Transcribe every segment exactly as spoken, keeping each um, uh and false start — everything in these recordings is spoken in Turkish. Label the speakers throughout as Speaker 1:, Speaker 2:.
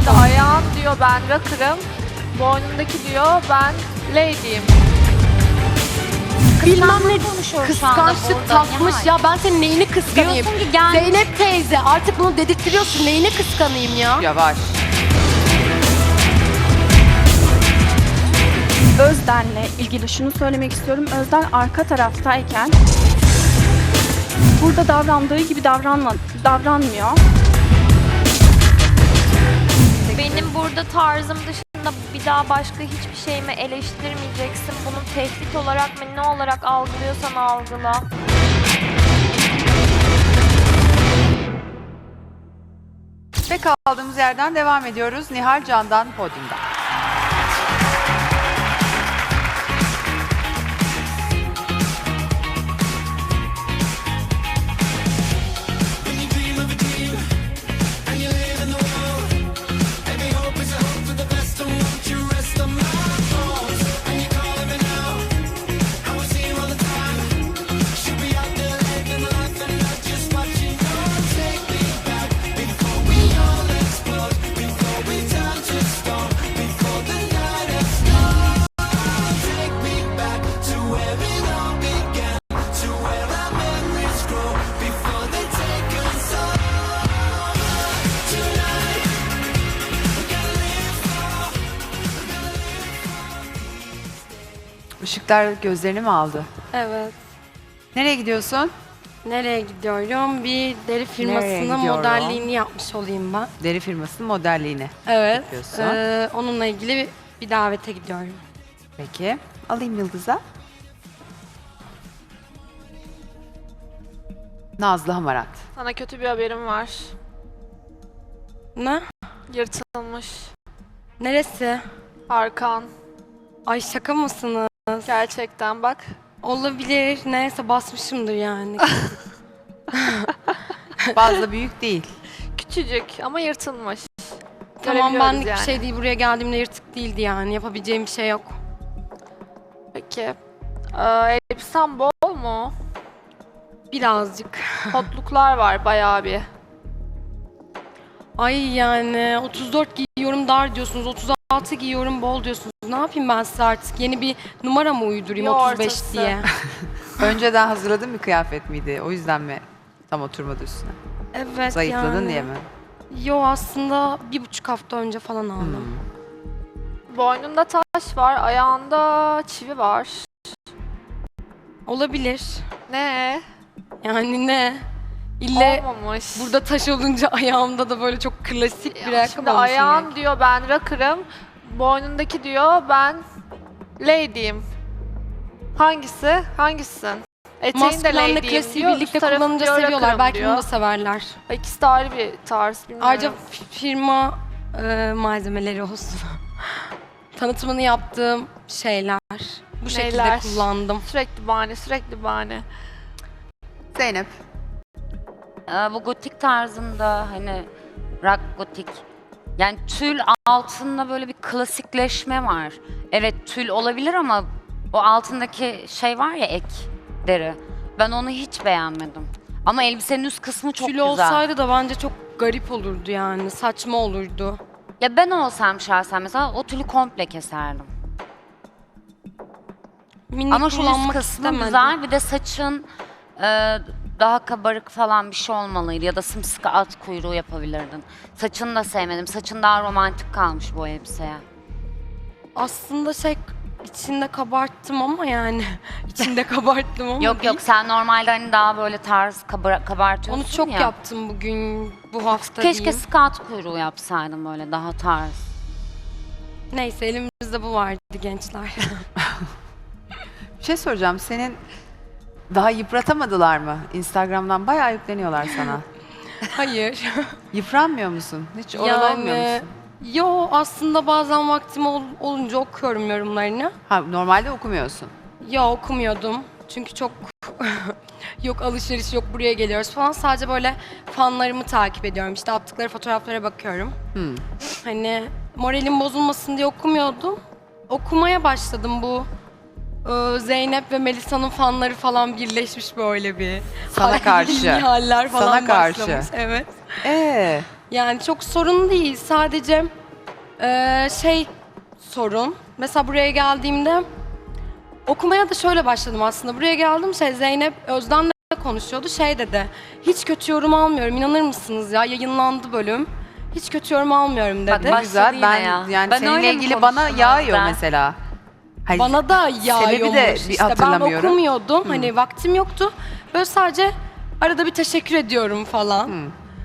Speaker 1: İşte ayağın diyor ben rocker'ım, boynundaki diyor ben lady'yim.
Speaker 2: Bilmem ne
Speaker 3: konuşuyoruz şu anda
Speaker 2: kıskançlık
Speaker 3: burada,
Speaker 2: takmış
Speaker 3: Nihal.
Speaker 2: ya, ben senin neyini kıskanayım?
Speaker 3: Diyorsun ki gel-
Speaker 2: Zeynep teyze artık bunu dedirtiyorsun, neyini kıskanayım ya?
Speaker 4: Yavaş.
Speaker 5: Özden'le ilgili şunu söylemek istiyorum. Özden arka taraftayken burada davrandığı gibi davranma, davranmıyor.
Speaker 3: Benim burada tarzım dışında bir daha başka hiçbir şeyimi eleştirmeyeceksin. Bunu tehdit olarak mı ne olarak algılıyorsan algıla.
Speaker 4: Ve kaldığımız yerden devam ediyoruz. Nihal Can'dan podyumda. Işıklar gözlerini mi aldı?
Speaker 2: Evet.
Speaker 4: Nereye gidiyorsun?
Speaker 2: Nereye gidiyorum? Bir deri
Speaker 4: Nereye
Speaker 2: firmasının
Speaker 4: gidiyorum?
Speaker 2: modelliğini yapmış olayım ben.
Speaker 4: Deri firmasının modelliğini.
Speaker 2: Evet.
Speaker 4: Yapıyorsun.
Speaker 2: Ee, onunla ilgili bir, bir davete gidiyorum.
Speaker 4: Peki. Alayım Yıldız'a. Nazlı Hamarat.
Speaker 1: Sana kötü bir haberim var.
Speaker 2: Ne?
Speaker 1: Yırtılmış.
Speaker 2: Neresi?
Speaker 1: Arkan.
Speaker 2: Ay şaka mısınız?
Speaker 1: Gerçekten bak.
Speaker 2: Olabilir. Neyse basmışımdır yani.
Speaker 4: Fazla büyük değil.
Speaker 1: Küçücük ama yırtılmış.
Speaker 2: Tamam,
Speaker 1: Görebiliyoruz
Speaker 2: benlik
Speaker 1: yani.
Speaker 2: bir şey değil. Buraya geldiğimde yırtık değildi yani. Yapabileceğim bir şey yok.
Speaker 1: Peki. Ee, elbisen bol mu?
Speaker 2: Birazcık.
Speaker 1: Kotluklar var bayağı bir.
Speaker 2: Ay yani otuz dört giyiyorum dar diyorsunuz. otuz altı giyiyorum bol diyorsunuz. Ne yapayım ben size artık? Yeni bir numara mı uydurayım
Speaker 1: Bir
Speaker 2: otuz beş
Speaker 1: ortası.
Speaker 2: diye?
Speaker 4: Önceden hazırladığın bir kıyafet miydi? O yüzden mi tam oturmadı üstüne?
Speaker 2: Evet
Speaker 4: Zayıfladın
Speaker 2: yani.
Speaker 4: diye mi?
Speaker 2: Yo, aslında bir buçuk hafta önce falan aldım.
Speaker 1: Boynunda taş var, ayağında çivi var.
Speaker 2: Olabilir.
Speaker 1: Ne?
Speaker 2: Yani ne? İlle
Speaker 1: Olmamış.
Speaker 2: burada taş olunca ayağımda da böyle çok klasik bir
Speaker 1: Ya
Speaker 2: ayakkabı
Speaker 1: şimdi
Speaker 2: olması
Speaker 1: ayağın
Speaker 2: gerek.
Speaker 1: diyor ben rocker'ım, boynundaki diyor ben lady'yim. Hangisi? Hangisisin? Eteğin de
Speaker 2: Maskulenle
Speaker 1: lady'yim
Speaker 2: klasiği
Speaker 1: diyor,
Speaker 2: birlikte
Speaker 1: üst tarafı
Speaker 2: kullanınca
Speaker 1: diyor
Speaker 2: seviyorlar.
Speaker 1: rocker'ım
Speaker 2: Belki
Speaker 1: diyor.
Speaker 2: bunu da severler.
Speaker 1: İkisi de ayrı bir tarz, bilmiyorum.
Speaker 2: Ayrıca f- firma e, malzemeleri olsun. Tanıtımını yaptığım şeyler. Bu şekilde
Speaker 1: Neyler?
Speaker 2: kullandım.
Speaker 1: Sürekli bahane, sürekli bahane.
Speaker 4: Zeynep.
Speaker 6: Ee, bu gotik tarzında hani rock gotik. Yani tül altında böyle bir klasikleşme var. Evet tül olabilir ama o altındaki şey var ya ek deri. Ben onu hiç beğenmedim. Ama elbisenin üst kısmı çok
Speaker 2: Tül
Speaker 6: güzel.
Speaker 2: olsaydı da bence çok garip olurdu yani. Saçma olurdu.
Speaker 6: Ya ben olsam şahsen mesela o tülü komple keserdim.
Speaker 2: Minik
Speaker 6: Ama şu üst
Speaker 2: kullanmak
Speaker 6: kısmı
Speaker 2: istemedim.
Speaker 6: güzel. Bir de saçın e, daha kabarık falan bir şey olmalıydı. Ya da sımsıkı at kuyruğu yapabilirdin. Saçını da sevmedim. Saçın daha romantik kalmış bu elbiseye.
Speaker 2: Aslında şey içinde kabarttım ama yani içinde kabarttım ama
Speaker 6: Yok
Speaker 2: değil.
Speaker 6: yok sen normalde hani daha böyle tarz kabar kabartıyorsun
Speaker 2: Onu çok
Speaker 6: ya.
Speaker 2: yaptım bugün, bu hafta
Speaker 6: Keşke
Speaker 2: diyeyim.
Speaker 6: sıkı at kuyruğu yapsaydın böyle daha tarz.
Speaker 2: Neyse elimizde bu vardı gençler.
Speaker 4: Bir şey soracağım. Senin daha yıpratamadılar mı? Instagram'dan bayağı yükleniyorlar sana.
Speaker 2: Hayır.
Speaker 4: Yıpranmıyor musun? Hiç oralı olmuyor musun?
Speaker 2: Yo, aslında bazen vaktim ol- olunca okuyorum yorumlarını.
Speaker 4: Ha, normalde okumuyorsun.
Speaker 2: Yo, okumuyordum. Çünkü çok yok alışveriş yok buraya geliyoruz falan. Sadece böyle fanlarımı takip ediyorum. İşte attıkları fotoğraflara bakıyorum.
Speaker 4: Hmm.
Speaker 2: Hani moralim bozulmasın diye okumuyordum. Okumaya başladım bu. e, Zeynep ve Melisa'nın fanları falan birleşmiş böyle bir.
Speaker 4: Sana karşı.
Speaker 2: haller falan
Speaker 4: Sana karşı.
Speaker 2: başlamış. Evet.
Speaker 4: Ee,
Speaker 2: Yani çok sorun değil. Sadece Ee, şey sorun. Mesela buraya geldiğimde okumaya da şöyle başladım aslında. Buraya geldim şey Zeynep Özden'le konuşuyordu. Şey dedi. Hiç kötü yorum almıyorum. İnanır mısınız ya? Yayınlandı bölüm. Hiç kötü yorum almıyorum
Speaker 6: Bak,
Speaker 2: dedi.
Speaker 4: Ne
Speaker 6: başladı
Speaker 4: güzel.
Speaker 6: yine
Speaker 4: Ben
Speaker 6: ya.
Speaker 4: yani
Speaker 6: Ben
Speaker 4: seninle
Speaker 6: öyle mi
Speaker 4: ilgili bana
Speaker 6: konuştum
Speaker 4: yağıyor
Speaker 6: Özden?
Speaker 4: mesela. Hayır,
Speaker 2: Bana da yağıyormuş.
Speaker 4: de bir
Speaker 2: işte ben
Speaker 4: hatırlamıyorum.
Speaker 2: okumuyordum. Hani vaktim yoktu. Böyle sadece arada bir teşekkür ediyorum falan.
Speaker 4: Hı.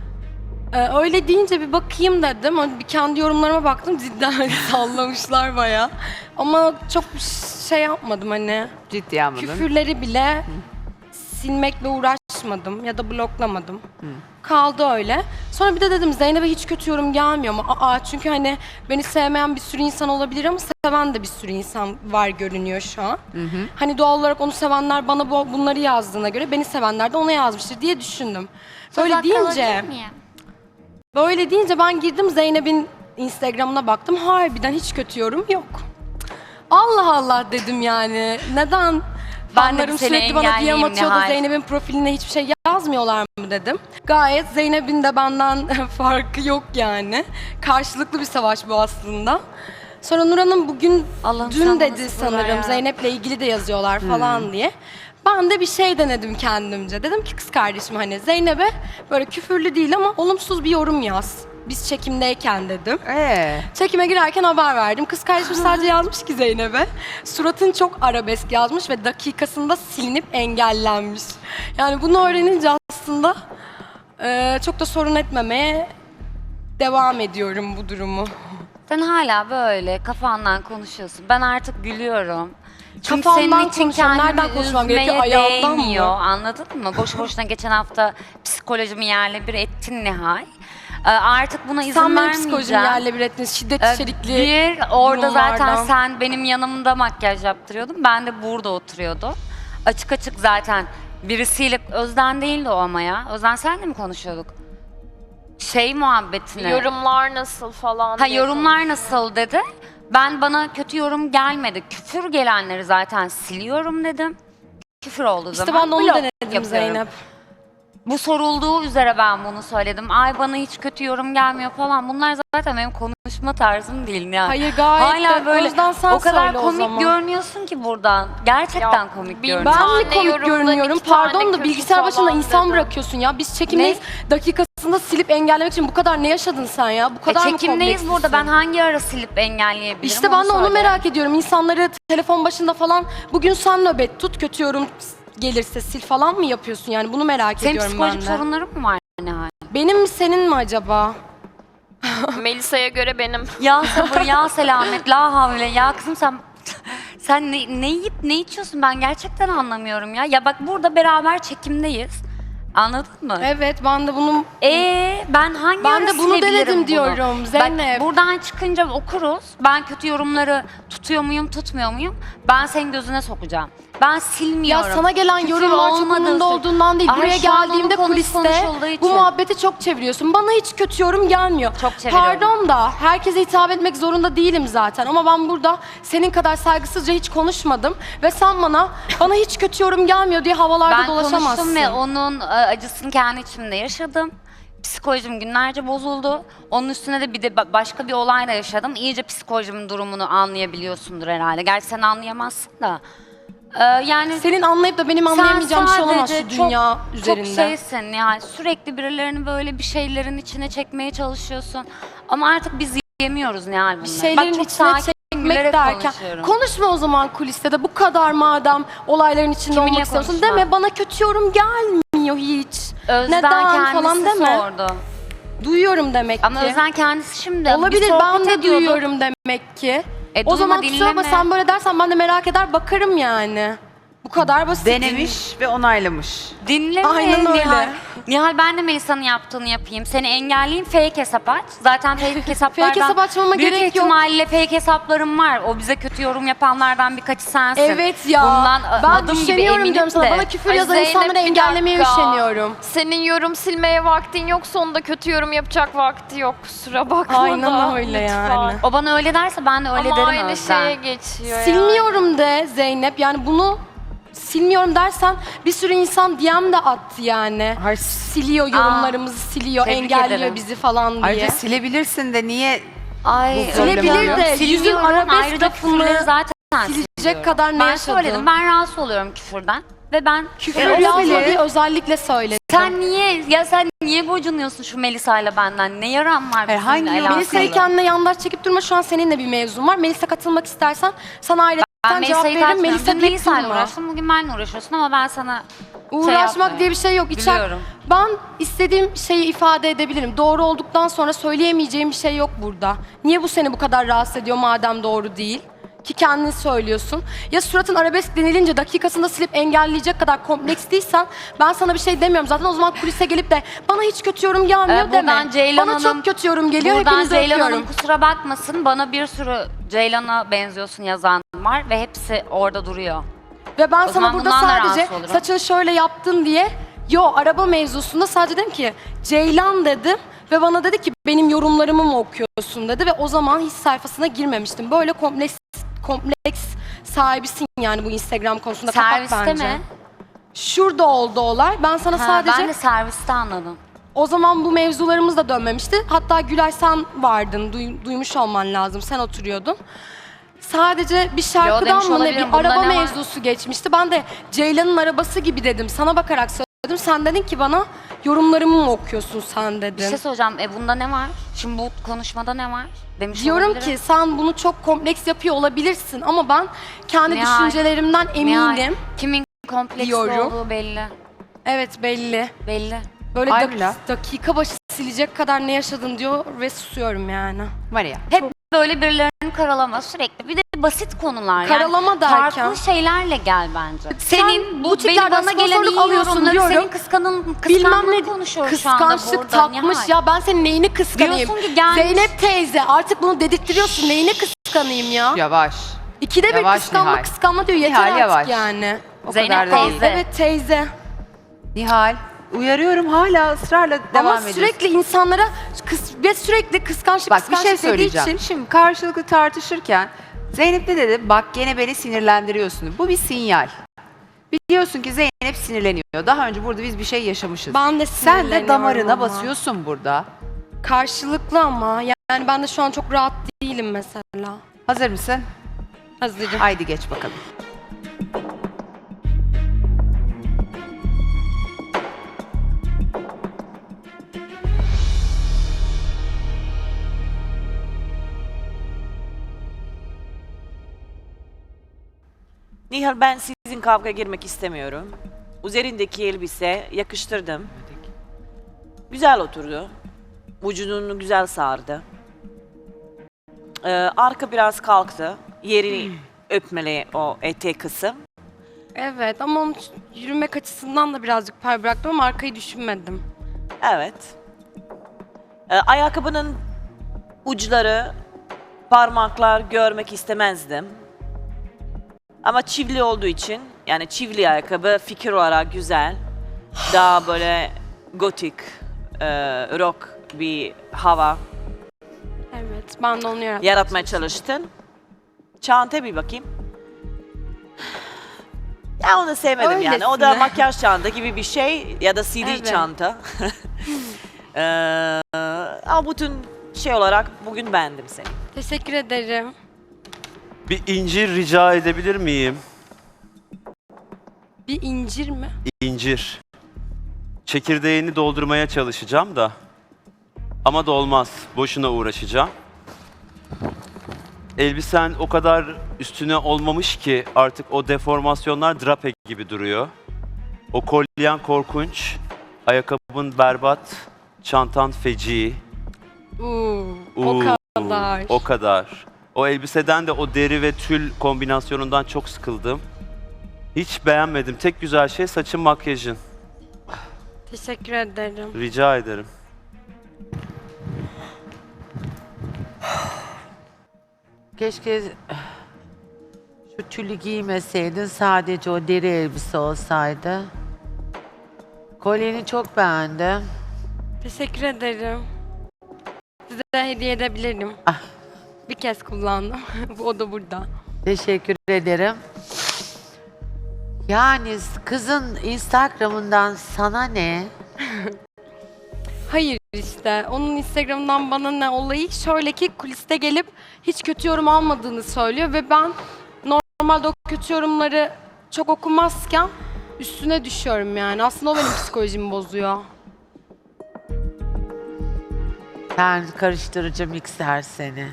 Speaker 2: Ee, öyle deyince bir bakayım dedim. Hani bir kendi yorumlarıma baktım. Cidden hani sallamışlar bayağı. Ama çok bir şey yapmadım hani.
Speaker 4: ciddiye almadın.
Speaker 2: Küfürleri bile silmekle uğraşmadım ya da bloklamadım. Kaldı öyle. Sonra bir de dedim Zeynep'e hiç kötü yorum gelmiyor mu? Aa, çünkü hani beni sevmeyen bir sürü insan olabilir ama seven de bir sürü insan var görünüyor şu an. Hani doğal olarak onu sevenler bana bu, bunları yazdığına göre beni sevenler de ona yazmıştır diye düşündüm. Böyle deyince, böyle deyince ben girdim Zeynep'in Instagram'ına baktım. Harbiden hiç kötü yorum yok. Allah Allah dedim yani. Neden?
Speaker 6: Ben de
Speaker 2: Fanlarım
Speaker 6: seni
Speaker 2: sürekli bana D M
Speaker 6: engelleyeyim
Speaker 2: atıyor da
Speaker 6: Nihal.
Speaker 2: Zeynep'in profiline hiçbir şey yazmıyorlar mı dedim. Gayet Zeynep'in de benden farkı yok yani. Karşılıklı bir savaş bu aslında. Sonra Nur Hanım bugün,
Speaker 6: Allah'ım sen
Speaker 2: dün
Speaker 6: bana
Speaker 2: dedi
Speaker 6: sabır ver
Speaker 2: sanırım
Speaker 6: ya.
Speaker 2: Zeynep'le ilgili de yazıyorlar falan diye. Ben de bir şey denedim kendimce. Dedim ki kız kardeşim hani Zeynep'e böyle küfürlü değil ama olumsuz bir yorum yaz. Biz çekimdeyken dedim.
Speaker 4: Ee,
Speaker 2: Çekime girerken haber verdim. Kız kardeşim sadece yazmış ki Zeynep'e. Suratın çok arabesk yazmış ve dakikasında silinip engellenmiş. Yani bunu öğrenince aslında e, çok da sorun etmemeye devam ediyorum bu durumu.
Speaker 6: Sen hala böyle kafandan konuşuyorsun. Ben artık gülüyorum. Çünkü
Speaker 2: Kafamdan
Speaker 6: senin için
Speaker 2: konuşuyorum.
Speaker 6: kendimi
Speaker 2: Nereden konuşmam gerekiyor?
Speaker 6: üzmeye
Speaker 2: Ayağımdan mı?
Speaker 6: değmiyor. Anladın mı? Boşu boşuna geçen hafta psikolojimi yerle bir ettin Nihal. Ee, artık buna izin
Speaker 2: Sen benim
Speaker 6: vermeyeceğim.
Speaker 2: psikolojimi yerle bir ettin. Şiddet
Speaker 6: Ee,
Speaker 2: içerikli
Speaker 6: Bir, orada zaten
Speaker 2: durumlardan.
Speaker 6: sen benim yanımda makyaj yaptırıyordun. Ben de burada oturuyordum. Açık açık zaten birisiyle, Özden değildi o ama ya. Özden senle mi konuşuyorduk? Şey muhabbetine.
Speaker 1: Yorumlar nasıl falan
Speaker 6: Ha
Speaker 1: diye
Speaker 6: yorumlar nasıl dedi. Ben bana kötü yorum gelmedi. Küfür gelenleri zaten siliyorum dedim. Küfür olduğu
Speaker 2: İşte
Speaker 6: zaman
Speaker 2: ben de onu
Speaker 6: blok
Speaker 2: denedim
Speaker 6: yapıyorum.
Speaker 2: Zeynep.
Speaker 6: Bu sorulduğu üzere ben bunu söyledim. Ay bana hiç kötü yorum gelmiyor falan. Bunlar zaten benim konuşma tarzım değil yani.
Speaker 2: Hayır gayet
Speaker 6: Hala
Speaker 2: de
Speaker 6: böyle
Speaker 2: Özden sen
Speaker 6: o kadar
Speaker 2: söyle o
Speaker 6: komik
Speaker 2: zaman.
Speaker 6: görünüyorsun ki buradan. Gerçekten
Speaker 1: Ya,
Speaker 6: komik
Speaker 1: bir
Speaker 6: görünüyorsun.
Speaker 2: Ben mi
Speaker 1: tane
Speaker 2: komik
Speaker 1: yorumda
Speaker 2: görünüyorum?
Speaker 1: iki tane
Speaker 2: Pardon da
Speaker 1: kötü
Speaker 2: bilgisayar başında
Speaker 1: falan
Speaker 2: insan
Speaker 1: dedim.
Speaker 2: bırakıyorsun ya. Biz çekimdeyiz. Dakikasında silip engellemek için bu kadar ne yaşadın sen ya? Bu
Speaker 6: E,
Speaker 2: kadar mı
Speaker 6: çekimdeyiz
Speaker 2: komplekslisin?
Speaker 6: burada. Ben hangi ara silip engelleyebilirim?
Speaker 2: İşte ben de onu
Speaker 6: söyle.
Speaker 2: merak ediyorum. İnsanları telefon başında falan bugün sen nöbet tut kötü yorum gelirse sil falan mı yapıyorsun yani? Bunu merak
Speaker 6: Senin
Speaker 2: ediyorum
Speaker 6: psikolojik
Speaker 2: ben de.
Speaker 6: sorunların mı var Nihal?
Speaker 2: Benim mi senin mi acaba?
Speaker 1: Melisa'ya göre benim.
Speaker 6: Ya sabır ya selamet la havle ya kızım sen sen ne, ne yiyip ne içiyorsun ben gerçekten anlamıyorum ya. Ya bak burada beraber çekimdeyiz. Anladın mı?
Speaker 2: Evet ben de bunu
Speaker 6: Ee ben hangi
Speaker 2: Ben
Speaker 6: ara
Speaker 2: de bunu
Speaker 6: silebilirim
Speaker 2: denedim
Speaker 6: bunu?
Speaker 2: diyorum Zeynep.
Speaker 6: Bak buradan çıkınca okuruz. Ben kötü yorumları tutuyor muyum tutmuyor muyum? Ben senin gözüne sokacağım. Ben
Speaker 2: ya
Speaker 6: silmiyorum.
Speaker 2: sana gelen
Speaker 6: Küfür
Speaker 2: yorumlar çok
Speaker 6: olmadığı
Speaker 2: umurumda
Speaker 6: sürece-
Speaker 2: olduğundan değil.
Speaker 6: Ay,
Speaker 2: Buraya
Speaker 6: şu an onun
Speaker 2: geldiğimde
Speaker 6: konusu
Speaker 2: kuliste
Speaker 6: konuşulduğu
Speaker 2: bu
Speaker 6: için.
Speaker 2: muhabbeti çok çeviriyorsun. Bana hiç kötü yorum gelmiyor.
Speaker 6: Çok çeviriyorum.
Speaker 2: Pardon da herkese hitap etmek zorunda değilim zaten. Ama ben burada senin kadar saygısızca hiç konuşmadım. Ve sen bana bana hiç kötü yorum gelmiyor diye havalarda
Speaker 6: Ben
Speaker 2: dolaşamazsın.
Speaker 6: konuştum ve onun e, acısını kendi içimde yaşadım. Psikolojim günlerce bozuldu. Onun üstüne de bir de ba- başka bir olayla yaşadım. İyice psikolojimin durumunu anlayabiliyorsundur herhalde. Gerçi sen anlayamazsın da. Ee, yani
Speaker 2: Senin anlayıp da benim
Speaker 6: sen
Speaker 2: anlayamayacağım bir şey olamaz
Speaker 6: sadece
Speaker 2: şu dünya
Speaker 6: çok,
Speaker 2: üzerinde.
Speaker 6: Çok şeysin yani sürekli birilerini böyle bir şeylerin içine çekmeye çalışıyorsun. Ama artık biz yemiyoruz Nihal bunları.
Speaker 2: Bir şeylerin
Speaker 6: Bak, çok
Speaker 2: içine
Speaker 6: sakin,
Speaker 2: çekmek
Speaker 6: gülerek
Speaker 2: derken
Speaker 6: konuşuyorum.
Speaker 2: konuşma o zaman kuliste de bu kadar madem olayların içinde
Speaker 6: Kiminle
Speaker 2: olmak istiyorsun.
Speaker 6: konuşma?
Speaker 2: Deme bana kötü yorum gelmiyor hiç.
Speaker 6: Özden
Speaker 2: Neden
Speaker 6: kendisi
Speaker 2: falan deme.
Speaker 6: sordu.
Speaker 2: Duyuyorum demek
Speaker 6: Ama
Speaker 2: ki.
Speaker 6: Özden kendisi şimdi bir
Speaker 2: Olabilir
Speaker 6: sohbet
Speaker 2: ben de
Speaker 6: ediyorduk.
Speaker 2: duyuyorum demek ki.
Speaker 6: E,
Speaker 2: o zaman
Speaker 6: duyma,
Speaker 2: kusura bakma
Speaker 6: dinleme.
Speaker 2: sen böyle dersen ben de merak eder bakarım yani. Bu kadar basit.
Speaker 4: denemiş ve onaylamış.
Speaker 6: Dinleme
Speaker 2: Aynen öyle.
Speaker 6: Nihal. Nihal ben de Melisa'nın yaptığını yapayım. Seni engelleyeyim fake hesap aç. Zaten fake hesaplardan
Speaker 2: Fake hesap açmama
Speaker 6: büyük
Speaker 2: gerek yok.
Speaker 6: ihtimalle fake hesaplarım var. O bize kötü yorum yapanlardan birkaçı sensin.
Speaker 2: Evet ya.
Speaker 6: Bundan
Speaker 2: ben
Speaker 6: adım gibi
Speaker 2: üşeniyorum
Speaker 6: eminim
Speaker 2: diyorum sana.
Speaker 6: de.
Speaker 2: Bana küfür
Speaker 1: Ay
Speaker 2: yazan
Speaker 1: Zeynep,
Speaker 2: insanları
Speaker 1: bir
Speaker 2: engellemeye
Speaker 1: dakika.
Speaker 2: üşeniyorum.
Speaker 1: Senin yorum silmeye vaktin yoksa onda kötü yorum yapacak vakti yok. Kusura bakma
Speaker 2: Aynen
Speaker 1: da.
Speaker 2: öyle
Speaker 1: lütfen.
Speaker 2: yani.
Speaker 6: O bana öyle derse ben de öyle
Speaker 1: Ama
Speaker 6: derim
Speaker 1: aynı
Speaker 6: Özden.
Speaker 1: şeye geçiyor yani.
Speaker 2: Silmiyorum de Zeynep. Yani bunu silmiyorum dersen bir sürü insan D M de attı yani.
Speaker 4: Hayır,
Speaker 2: Siliyor yorumlarımızı siliyor,
Speaker 6: tebrik
Speaker 2: engelliyor
Speaker 6: ederim.
Speaker 2: bizi falan diye.
Speaker 4: ayrıca silebilirsin de niye
Speaker 6: Ay,
Speaker 2: Silebilir de, yüzün
Speaker 6: silmiyorum.
Speaker 2: arabesk
Speaker 6: Ayrıca
Speaker 2: lafını
Speaker 6: küfürleri zaten
Speaker 2: silecek
Speaker 6: siliyorum.
Speaker 2: kadar ne
Speaker 6: ben
Speaker 2: yaşadın?
Speaker 6: söyledim, ben rahatsız oluyorum küfürden. Ve ben
Speaker 2: Küfür
Speaker 6: E, o
Speaker 2: olabilir.
Speaker 6: zaman-
Speaker 2: Özellikle söyledim.
Speaker 6: Sen niye, ya sen niye gocunuyorsun şu Melisa'yla benden? Ne yaran var
Speaker 4: Hayır,
Speaker 6: bizimle
Speaker 4: hangi
Speaker 6: alakalı?
Speaker 2: Melisa'yı kendine yandaş çekip durma. Şu an seninle bir mevzun var. Melisa katılmak istersen sana ayrıca
Speaker 6: Ben
Speaker 2: cevap
Speaker 6: Melisa'yı
Speaker 2: veririm.
Speaker 6: kaçmıyorum.
Speaker 2: Melisa
Speaker 6: Dün
Speaker 2: deyip
Speaker 6: Melisa'yla
Speaker 2: durma.
Speaker 6: uğraştım, bugün benimle uğraşıyorsun ama ben sana
Speaker 2: Uğraşmak
Speaker 6: yapmıyorum.
Speaker 2: diye bir şey yok. İçer,
Speaker 6: Biliyorum.
Speaker 2: ben istediğim şeyi ifade edebilirim. Doğru olduktan sonra söyleyemeyeceğim bir şey yok burada. Niye bu seni bu kadar rahatsız ediyor madem doğru değil? Ki kendin söylüyorsun. Ya suratın arabesk denilince dakikasında silip engelleyecek kadar kompleks değilsen ben sana bir şey demiyorum. Zaten o zaman kulise gelip de bana hiç kötü yorum gelmiyor
Speaker 6: Ee,
Speaker 2: deme.
Speaker 6: buradan Ceylan
Speaker 2: Bana
Speaker 6: Hanım-
Speaker 2: çok kötü yorum geliyor.
Speaker 6: Buradan
Speaker 2: Hepinizi
Speaker 6: Ceylan
Speaker 2: öpüyorum.
Speaker 6: Hanım kusura bakmasın, bana bir sürü Ceylan'a benziyorsun yazan var ve hepsi orada duruyor.
Speaker 2: Ve ben
Speaker 6: O
Speaker 2: sana
Speaker 6: zaman
Speaker 2: burada
Speaker 6: bundan da
Speaker 2: sadece
Speaker 6: rahatsız olurum.
Speaker 2: saçını şöyle yaptın diye yo araba mevzusunda sadece dedim ki Ceylan dedim ve bana dedi ki benim yorumlarımı mı okuyorsun dedi ve o zaman hiç sayfasına girmemiştim. Böyle kompleks kompleks sahibisin yani bu Instagram konusunda. Kapat
Speaker 6: Serviste
Speaker 2: bence.
Speaker 6: mi?
Speaker 2: Şurada oldu olay. Ben sana
Speaker 6: Ha,
Speaker 2: sadece
Speaker 6: ben de serviste anladım.
Speaker 2: o zaman bu mevzularımız da dönmemişti. Hatta Gülay sen vardın, duy- duymuş olman lazım. Sen oturuyordun. Sadece bir şarkıdan
Speaker 6: demiş
Speaker 2: mı ne
Speaker 6: olabilirim.
Speaker 2: bir
Speaker 6: Bunda
Speaker 2: araba
Speaker 6: ne var?
Speaker 2: mevzusu geçmişti. Ben de Ceylan'ın arabası gibi dedim. Sana bakarak söyledim. Sen dedin ki bana yorumlarımı mı okuyorsun sen
Speaker 6: Bir
Speaker 2: dedin.
Speaker 6: şey soracağım, e bunda ne var? Şimdi bu konuşmada ne var? Demiş
Speaker 2: Diyorum
Speaker 6: olabilirim.
Speaker 2: ki sen bunu çok kompleks yapıyor olabilirsin ama ben kendi
Speaker 6: Nihal,
Speaker 2: düşüncelerimden
Speaker 6: Nihal,
Speaker 2: eminim.
Speaker 6: kimin kompleksli
Speaker 2: diyorum.
Speaker 6: olduğu belli.
Speaker 2: Evet belli.
Speaker 6: Belli.
Speaker 2: Böyle
Speaker 4: Ay
Speaker 2: dak-
Speaker 4: Mila.
Speaker 2: dakika başı silecek kadar ne yaşadın diyor ve susuyorum yani.
Speaker 4: Maria.
Speaker 6: Hep böyle birilerini karalama sürekli. Bir de basit konular. Yani
Speaker 2: Karalama derken?
Speaker 6: farklı şeylerle gel bence. Senin bu
Speaker 2: butiklerden
Speaker 6: benim bana gelen
Speaker 2: sponsorluk
Speaker 6: iyi
Speaker 2: alıyorsun
Speaker 6: yorumları
Speaker 2: diyorum.
Speaker 6: senin kıskanın,
Speaker 2: Bilmem
Speaker 6: kıskanlığını
Speaker 2: ne
Speaker 6: konuşuyoruz şu anda
Speaker 2: kıskançlık
Speaker 6: burada.
Speaker 2: takmış
Speaker 6: Nihal.
Speaker 2: ya ben senin neyini kıskanayım?
Speaker 6: Diyorsun ki gelmiş-
Speaker 2: Zeynep teyze artık bunu dedirttiriyorsun neyini kıskanayım ya?
Speaker 4: Yavaş.
Speaker 2: İkide bir
Speaker 4: Yavaş
Speaker 2: kıskanma
Speaker 4: Nihal.
Speaker 2: kıskanma diyor yeter
Speaker 4: Nihal,
Speaker 2: artık
Speaker 4: yavaş.
Speaker 2: yani.
Speaker 4: O
Speaker 6: Zeynep
Speaker 4: kadar da değil.
Speaker 6: teyze.
Speaker 2: Evet teyze.
Speaker 4: Nihal, uyarıyorum hala ısrarla devam
Speaker 2: Ama
Speaker 4: ediyorsun.
Speaker 2: sürekli insanlara kıs ve sürekli kıskançlık
Speaker 4: Bak bir
Speaker 2: kıskançlık
Speaker 4: şey
Speaker 2: dediği
Speaker 4: söyleyeceğim.
Speaker 2: için
Speaker 4: Şimdi karşılıklı tartışırken Zeynep ne dedi? Bak gene beni sinirlendiriyorsun. Bu bir sinyal. Biliyorsun ki Zeynep sinirleniyor. Daha önce burada biz bir şey yaşamışız.
Speaker 2: ben de
Speaker 4: Sen de
Speaker 2: sinirleniyorum
Speaker 4: damarına
Speaker 2: ama.
Speaker 4: basıyorsun burada.
Speaker 2: Karşılıklı ama yani ben de şu an çok rahat değilim mesela.
Speaker 4: Hazır mısın?
Speaker 2: Hazırım.
Speaker 4: Haydi geç bakalım.
Speaker 7: Nihal ben sizin kavga girmek istemiyorum. Üzerindeki elbise yakıştırdım. Güzel oturdu. Vücudunu güzel sardı. Ee, arka biraz kalktı. Yeri öpmeli o etek kısım.
Speaker 2: Evet ama onun yürümek açısından da birazcık pay bıraktım ama arkayı düşünmedim.
Speaker 7: Evet. Ee, ayakkabının uçları, parmaklar görmek istemezdim. Ama çivili olduğu için, yani çivili ayakkabı fikir olarak güzel. Daha böyle gotik, e, rock bir hava
Speaker 2: Evet ben de onu yarattım.
Speaker 7: yaratmaya çalıştın. Çanta bir bakayım. Ya onu sevmedim yani. O da
Speaker 2: Öylesine.
Speaker 7: makyaj çanta gibi bir şey ya da C D
Speaker 2: Evet.
Speaker 7: çanta. Ee, ama bütün şey olarak bugün beğendim seni.
Speaker 2: Teşekkür ederim.
Speaker 8: Bir incir rica edebilir miyim?
Speaker 2: Bir incir mi?
Speaker 8: İncir. Çekirdeğini doldurmaya çalışacağım da. Ama da olmaz. Boşuna uğraşacağım. Elbisen o kadar üstüne olmamış ki artık o deformasyonlar drape gibi duruyor. O kolyen korkunç. Ayakkabın berbat. Çantan feci.
Speaker 2: Uuu, o
Speaker 8: Uuu,
Speaker 2: kadar.
Speaker 8: O kadar. O elbiseden de o deri ve tül kombinasyonundan çok sıkıldım. Hiç beğenmedim. Tek güzel şey saçın, makyajın.
Speaker 2: Teşekkür ederim.
Speaker 8: Rica ederim.
Speaker 9: Keşke şu tülü giymeseydin, sadece o deri elbise olsaydı. Kolyeni çok beğendim.
Speaker 2: Teşekkür ederim. Size de hediye edebilirim.
Speaker 9: Ah.
Speaker 2: Bir kez kullandım. O da burada.
Speaker 9: Teşekkür ederim. Yani kızın Instagram'ından sana ne?
Speaker 2: Hayır işte. Onun Instagram'dan bana ne olayı şöyle ki kuliste gelip hiç kötü yorum almadığını söylüyor ve ben normalde o kötü yorumları çok okumazken üstüne düşüyorum yani. Aslında o benim psikolojimi bozuyor.
Speaker 9: Sen karıştırıcı mikser seni.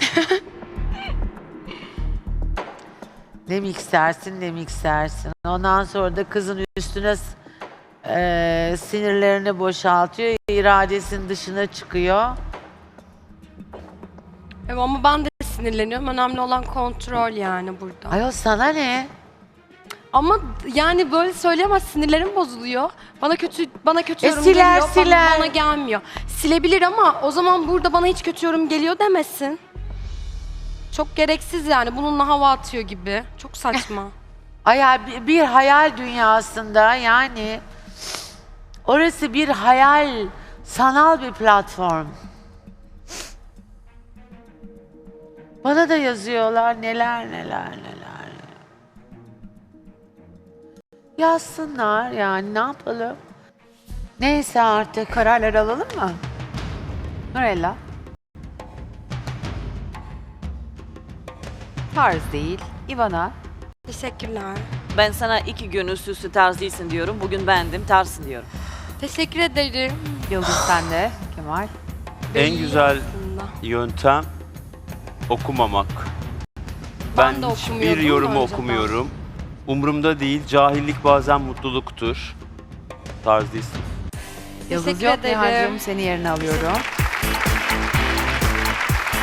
Speaker 9: Ne miksersin ne miksersin. Ondan sonra da kızın üstüne s- eee, sinirlerini boşaltıyor. İradesinin dışına çıkıyor.
Speaker 2: Evet ama ben de sinirleniyorum. Önemli olan kontrol yani burada.
Speaker 9: Ayol sana ne?
Speaker 2: Ama yani böyle söyleyemez, sinirlerim bozuluyor. Bana kötü bana kötü
Speaker 9: E
Speaker 2: yorum
Speaker 9: siler,
Speaker 2: geliyor, bana-
Speaker 9: siler.
Speaker 2: Bana, gelmiyor. Silebilir ama o zaman burada bana hiç kötü yorum geliyor demesin. Çok gereksiz yani. Bununla hava atıyor gibi. Çok saçma.
Speaker 9: Ay ya, bir, bir hayal dünyasında yani orası bir hayal, sanal bir platform. Bana da yazıyorlar neler neler neler. Yazsınlar yani ne yapalım? Neyse artık.
Speaker 4: Kararları alalım mı? Nurella. Tarz değil. Ivana.
Speaker 2: Teşekkürler.
Speaker 7: Ben sana iki gün üst üste tarz değilsin diyorum. Bugün bendim, tarzsın diyorum.
Speaker 2: Teşekkür ederim.
Speaker 4: Yıldız sende. Kemal.
Speaker 8: En güzel
Speaker 2: Aslında.
Speaker 8: yöntem okumamak.
Speaker 2: Ben
Speaker 8: Ben,
Speaker 2: de
Speaker 8: hiçbir
Speaker 2: okumuyordum
Speaker 8: yorumu
Speaker 2: önceden.
Speaker 8: okumuyorum. Umurumda değil. Cahillik bazen mutluluktur. Tarz değilsin.
Speaker 4: Yıldız
Speaker 2: Teşekkür
Speaker 4: yok.
Speaker 2: ederim.
Speaker 4: Nihal'cığım seni yerine alıyorum.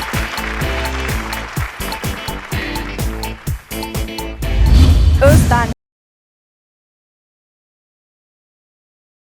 Speaker 5: Özden